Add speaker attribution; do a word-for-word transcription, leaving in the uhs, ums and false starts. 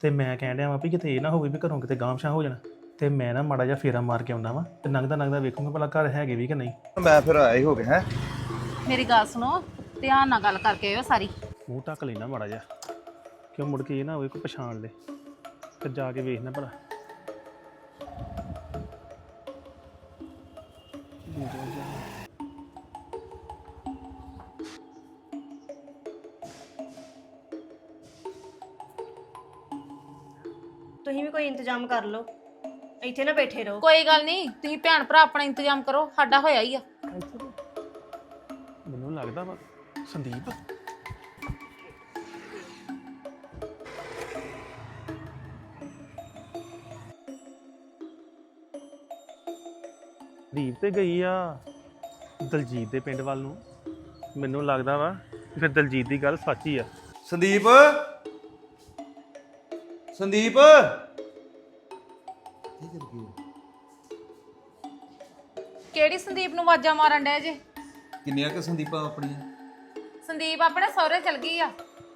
Speaker 1: ਤੇ ਮੈਂ ਕਹਿਣ ਡਿਆ ਵਾਂ ਵੀ ਕਿਤੇ ਇਹ ਨਾ ਹੋਵੇ ਵੀ ਘਰੋਂ ਕਿਤੇ ਗਾਂਵ-ਸ਼ਾਂ ਹੋ ਜਾਣਾ ਤੇ ਮੈਂ ਨਾ ਮਾੜਾ ਜਿਹਾ ਫੇਰਾ ਮਾਰ ਕੇ ਆਉਂਦਾ ਵਾਂ ਤੇ ਨੰਗਦਾ ਨੰਗਦਾ ਵੇਖੂੰਗਾ ਭਲਾ ਘਰ ਹੈਗੇ ਵੀ ਕਿ ਨਹੀਂ।
Speaker 2: ਮੈਂ ਫਿਰ ਆਇਆ ਹੀ ਹੋ ਗਿਆ ਹੈ।
Speaker 3: ਮੇਰੀ ਗੱਲ ਸੁਣੋ, ਧਿਆਨ ਨਾਲ ਗੱਲ ਕਰਕੇ ਆਇਓ ਸਾਰੀ।
Speaker 1: ਮੂੰਹ ਢੱਕ ਲੈਣਾ ਮਾੜਾ ਜਿਹਾ ਕਿਉਂ ਮੁੜ ਕੇ ਇਹ ਨਾ ਹੋਵੇ ਕੋਈ ਪਛਾਣ ਲੇ ਫਿਰ ਜਾ ਕੇ ਵੇਖਣਾ ਭਲਾ।
Speaker 4: ਤੁਸੀਂ ਵੀ ਕੋਈ ਇੰਤਜ਼ਾਮ ਕਰ ਲਓ, ਇੱਥੇ ਨਾ ਬੈਠੇ ਰਹੋ।
Speaker 3: ਕੋਈ ਗੱਲ ਨਹੀਂ, ਤੁਸੀਂ ਭੈਣ ਭਰਾ ਆਪਣਾ ਇੰਤਜ਼ਾਮ ਕਰੋ, ਸਾਡਾ ਹੋਇਆ ਹੀ ਆ।
Speaker 1: ਮੈਨੂੰ ਲੱਗਦਾ ਵਾ ਸੰਦੀਪ ਦੀਪ ਤੇ ਗਈ ਆ ਦਲਜੀਤ ਦੇ ਪਿੰਡ ਵੱਲ ਨੂੰ। ਮੈਨੂੰ ਲੱਗਦਾ ਵਾ ਫਿਰ ਦਲਜੀਤ ਦੀ ਗੱਲ ਸੱਚ ਹੀ ਆ।
Speaker 2: ਸੰਦੀਪ ਸੰਦੀਪ
Speaker 3: ਕਿਹੜੀ ਸੰਦੀਪ ਨੂੰ ਆਵਾਜ਼ਾਂ ਮਾਰਨ ਡਏ ਜੇ?
Speaker 2: ਕਿੰਨੀਆਂ ਕਿ ਸੰਦੀਪਾਂ ਆਪਣੀਆਂ?
Speaker 3: ਸੰਦੀਪ ਆਪਣੇ ਸਹੁਰੇ ਚਲ ਗਈ ਆ।